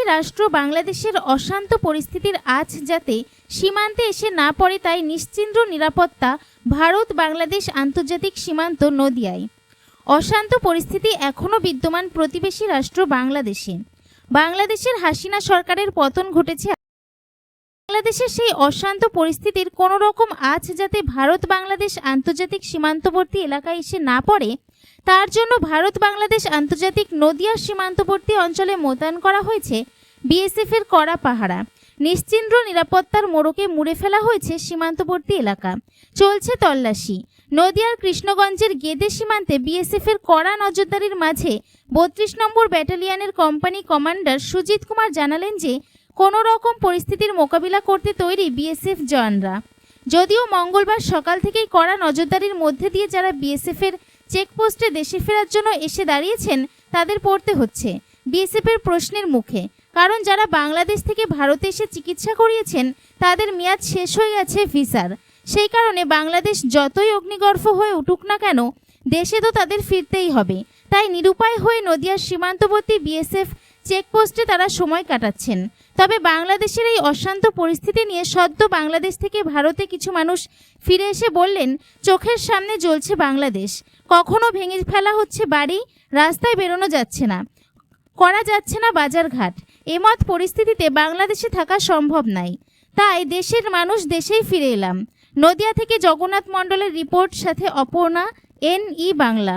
প্রতিবেশী রাষ্ট্র বাংলাদেশের অশান্ত পরিস্থিতির আঁচ যাতে সীমান্তে এসে না পড়ে তাই নিশ্চিন্দ্র নিরাপত্তা ভারত বাংলাদেশ আন্তর্জাতিক সীমান্ত নদিয়ায়। অশান্ত পরিস্থিতি এখনও বিদ্যমান প্রতিবেশী রাষ্ট্র বাংলাদেশে। বাংলাদেশের হাসিনা সরকারের পতন ঘটেছে। বাংলাদেশের সেই অশান্ত পরিস্থিতির কোনো রকম আঁচ যাতে ভারত বাংলাদেশ আন্তর্জাতিক সীমান্তবর্তী এলাকায় এসে না পড়ে তার জন্য ভারত বাংলাদেশ আন্তর্জাতিক নদিয়ার সীমান্তবর্তী অঞ্চলে মোতায়েন করা হয়েছে বিএসএফের কড়া পাহারা। নিশ্চিন্দ্র নিরাপত্তার মোড়কে মুড়ে ফেলা হয়েছে সীমান্তবর্তী এলাকা। চলছে তল্লাশি। নদিয়ার কৃষ্ণগঞ্জের গেদে সীমান্তে বিএসএফের কড়া নজরদারির মাঝে ৩২ নম্বর ব্যাটালিয়নের কোম্পানি কমান্ডার সুজিত কুমার জানালেন যে কোনো রকম পরিস্থিতির মোকাবিলা করতে তৈরি বিএসএফ জওয়ানরা। যদিও মঙ্গলবার সকাল থেকেই কড়া নজরদারির মধ্যে দিয়ে যারা বিএসএফের চেকপোস্টে দেশে ফেরার জন্য এসে দাঁড়িয়েছেন তাদের পড়তে হচ্ছে বিএসএফের প্রশ্নের মুখে। কারণ যারা বাংলাদেশ থেকে ভারতে এসে চিকিৎসা করিয়েছেন তাদের মেয়াদ শেষ হয়ে গেছে ভিসার। সেই কারণে বাংলাদেশ যতই অগ্নিগর্ভ হয়ে উঠুক না কেন দেশে তো তাদের ফিরতেই হবে। তাই নিরুপায় হয়ে নদিয়ার সীমান্তবর্তী বিএসএফ চেকপোস্টে তারা সময় কাটাচ্ছেন। তবে বাংলাদেশের এই অশান্ত পরিস্থিতি নিয়ে সদ্য বাংলাদেশ থেকে ভারতে কিছু মানুষ ফিরে এসে বললেন চোখের সামনে জ্বলছে বাংলাদেশ, কখনো ভেঙে ফেলা হচ্ছে বাড়ি, রাস্তায় বেরোনো যাচ্ছে না, করা যাচ্ছে না বাজারঘাট। এমত পরিস্থিতিতে বাংলাদেশে থাকা সম্ভব নাই। তাই দেশের মানুষ দেশেই ফিরে এলাম। নদিয়া থেকে জগন্নাথ মণ্ডলের রিপোর্ট, সাথে অপর্ণা, NE বাংলা।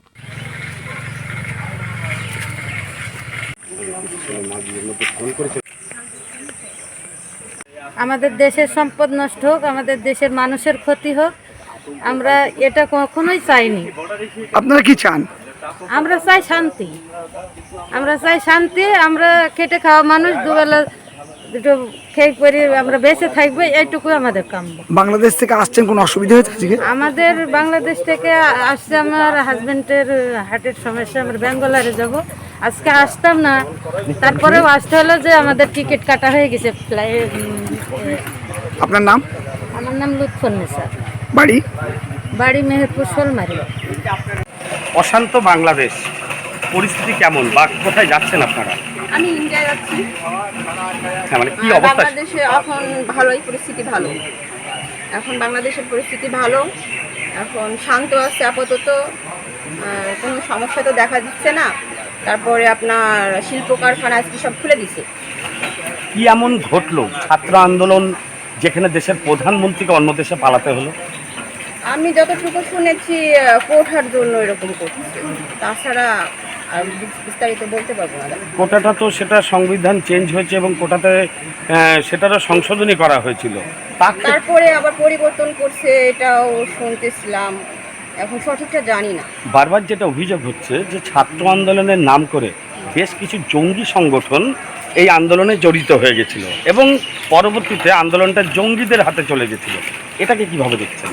আমাদের দেশের সম্পদ নষ্ট হোক, আমাদের দেশের মানুষের ক্ষতি হোক, আমরা এটা কখনোই চাইনি। আপনারা কি চান? আমরা চাই শান্তি। আমরা খেটে খাওয়া মানুষ, দুবেলা দুটো খেয়ে পরে আমরা বেঁচে থাকবো, এইটুকু আমাদের কাম্য। বাংলাদেশ থেকে আসছেন, কোনো অসুবিধা হয়েছে আজকে? আমাদের বাংলাদেশ থেকে আসছে আমার হাজবেন্ডের হার্টের সমস্যা, আমরা বেঙ্গলারে যাব। আজকে আসতাম না, তারপরেও আসতে হলো যে আমাদের টিকিট কাটা হয়ে গেছে ফ্লাইট। আপনার নাম? আমার নাম লুৎফুন্নেসা। বাড়ি মেহেরপুর শোলমারি। অশান্ত বাংলাদেশ পরিস্থিতি কেমন বা কোথায় যাচ্ছেন আপনারা? আমি ইন্ডিয়া যাচ্ছি। হ্যাঁ, মানে কি অবস্থা? বাংলাদেশে এখন ভালোই পরিস্থিতি ভালো। এখন বাংলাদেশের পরিস্থিতি ভালো, এখন শান্ত আছে আপাতত, কোনো সমস্যা তো দেখা দিচ্ছে না। তারপরে আপনার শিল্প কারখানা আজকে সব খুলে দিছে। কি এমন ঘটলো ছাত্র আন্দোলন যেখানে দেশের প্রধানমন্ত্রীকে অন্য দেশে পালাতে হলো? আমি যতটুকু শুনেছি কোটার জন্য এরকম করছে, তাছাড়া আর বিস্তারিত বলতে পারবো না। কোটাটা তো সেটা সংবিধান চেঞ্জ হয়েছে এবং কোটাতে সেটারও সংশোধনী করা হয়েছিল, তারপরে আবার পরিবর্তন করছে, এটাও শুনতেছিলাম, এখন সঠিকটা জানি না। বারবার যেটা অভিযোগ হচ্ছে যে ছাত্র আন্দোলনের নাম করে বেশ কিছু জঙ্গি সংগঠন এই আন্দোলনে জড়িত হয়ে গেছিল এবং পরবর্তীতে আন্দোলনটা জঙ্গিদের হাতে চলে গেছিল। এটাকে কিভাবে দেখছেন?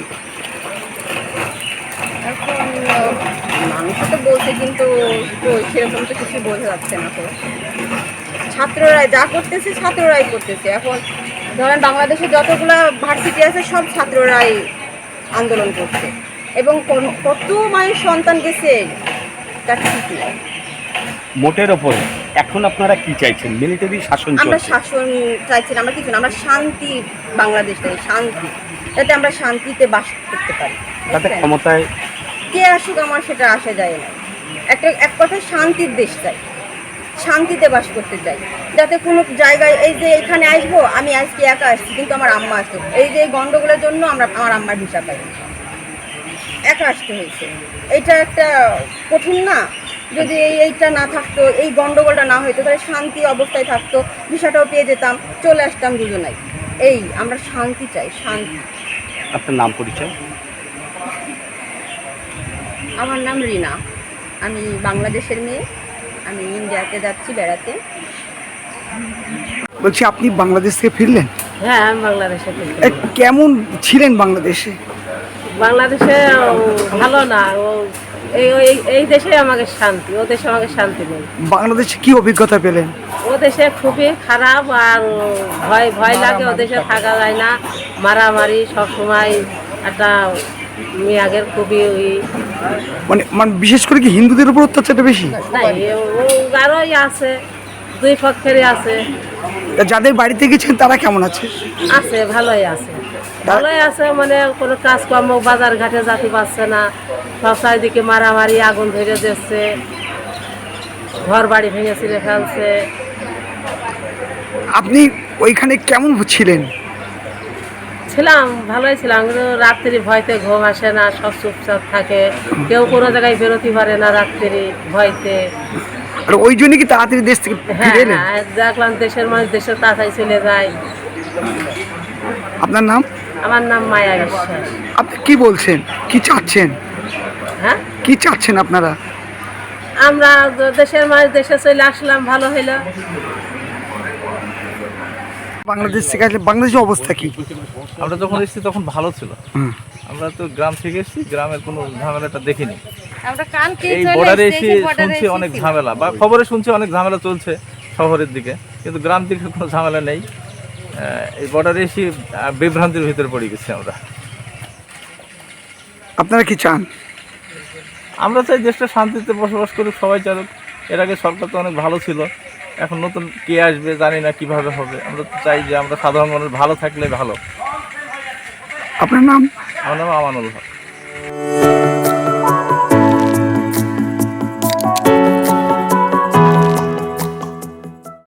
এখন মানুষ তো বলছে, কিন্তু সেরকম তো কিছু বোঝা যাচ্ছে না। তো ছাত্ররাই যা করতেছে, ছাত্ররাই করতেছে। এখন ধরেন বাংলাদেশে যতগুলো ভার্সিটি আছে সব ছাত্ররাই আন্দোলন করছে এবং কত মায়ের সন্তান গেছে তার ঠিক নাই। মোটের ওপরে এখন আপনারা কি চাইছেন? মিলিটারি শাসন? আমরা শাসন চাইছি না, আমরা কিছু না, আমরা শান্তি, বাংলাদেশ চাই শান্তি, যাতে আমরা শান্তিতে বাস করতে পারি। তাতে ক্ষমতায় কে আসুক আমার সেটা আসা যায় না। এক কথায় শান্তির দেশ চাই, শান্তিতে বাস করতে চাই, যাতে কোনো জায়গায় এই যে এখানে আসবো, আমি আজকে একা আসছি কিন্তু আমার আম্মা আসতো, এই যে গন্ডগোলের জন্য আমার আম্মার ভিসা পাই, একা আসতে হয়েছে। এটা একটা কঠিন না? যদি এইটা না থাকতো, এই গন্ডগোলটা না হইতো, তাহলে শান্তি অবস্থায় থাকতো, ভিসাটাও পেয়ে যেতাম, চলে আসতাম দুজনাই। এই আমরা শান্তি চাই, শান্তি। আপনার নাম পরিচয়? আমার নাম রিনা, আমি বাংলাদেশের মেয়ে, আমি ইন্ডিয়াতে যাচ্ছি বেড়াতে। বলছি আপনি বাংলাদেশ থেকে ফিরলেন? হ্যাঁ, আমি বাংলাদেশে। কেমন ছিলেন বাংলাদেশে? বাংলাদেশে ভালো না, এই দেশে আমাকে শান্তি, ও দেশে আমাকে শান্তি নেই। বাংলাদেশে কি অভিজ্ঞতা পেলেন? ও দেশে খুবই খারাপ, আর ভয় লাগে, ও দেশে থাকা যায় না, মারামারি সবসময়, একটা মেয়াগের খুবই মানে বিশেষ করে কি হিন্দুদের উপর অত্যাচারটা বেশি? নাই, ও আরোই আছে, দুই পক্ষেরই আছে। তা যাদের বাড়িতে গেছেন তারা কেমন আছে? আছে, ভালোই আছে। ভালোই আছে মানে কোনো কাজকর্ম বাজার ঘাটে যেতে পারছে না, সব চারিদিকে মারামারি, আগুন ধরে দিচ্ছে, ঘর বাড়ি ভেঙে ছিঁড়ে ফেলছে। আপনি ওইখানে কেমন ছিলেন? ছিলাম, ভালোই ছিলাম, কিন্তু রাত্রি ভয়তে ঘুম আসে না, সব চুপচাপ থাকে, কেউ কোনো জায়গায় বেরোতে পারে না রাত্রি ভয়তে। আর ওই জন্য কি তাড়াতাড়ি দেশ থেকে হ্যাঁ ফিরে এলেন? হ্যাঁ, দেখলাম দেশের মানুষ দেশে তাড়াতাড়ি চলে যায়। আপনার নাম? আমার নাম মায়া বিশ্বাস। আপনি কি বলছেন, কি চাচ্ছেন? হ্যাঁ, কি চাচ্ছেন আপনারা? আমরা দেশের মানুষ দেশে চলে আসলাম, ভালো হইলো। বাংলাদেশ থেকে আসলে বাংলাদেশের অবস্থা কি? আমরা যখন এসেছি তখন ভালো ছিল। হুম। আমরা তো গ্রাম থেকে এসেছি, গ্রামের কোনো ঝামেলাটা দেখিনি। আমরা কালকে এই বর্ডারে এসে শুনছি অনেক ঝামেলা, বা খবরে শুনছি অনেক ঝামেলা চলছে শহরের দিকে, কিন্তু গ্রাম দিকে কোনো ঝামেলা নেই। এই বর্ডারে এসে বিভ্রান্তির ভিতরে পড়ে গেছি আমরা। আপনারা কি চান? আমরা চাই দেশটা শান্তিতে বসবাস করুক, সবাই চালুক। এর আগে সরকার তো অনেক ভালো ছিল, এখন নতুন কে আসবে জানি না কিভাবে হবে। আমরা তো চাই যে আমরা সাধারণ মানুষ ভালো থাকলে ভালো। আপনার নাম? আমার নাম আমানুল হক।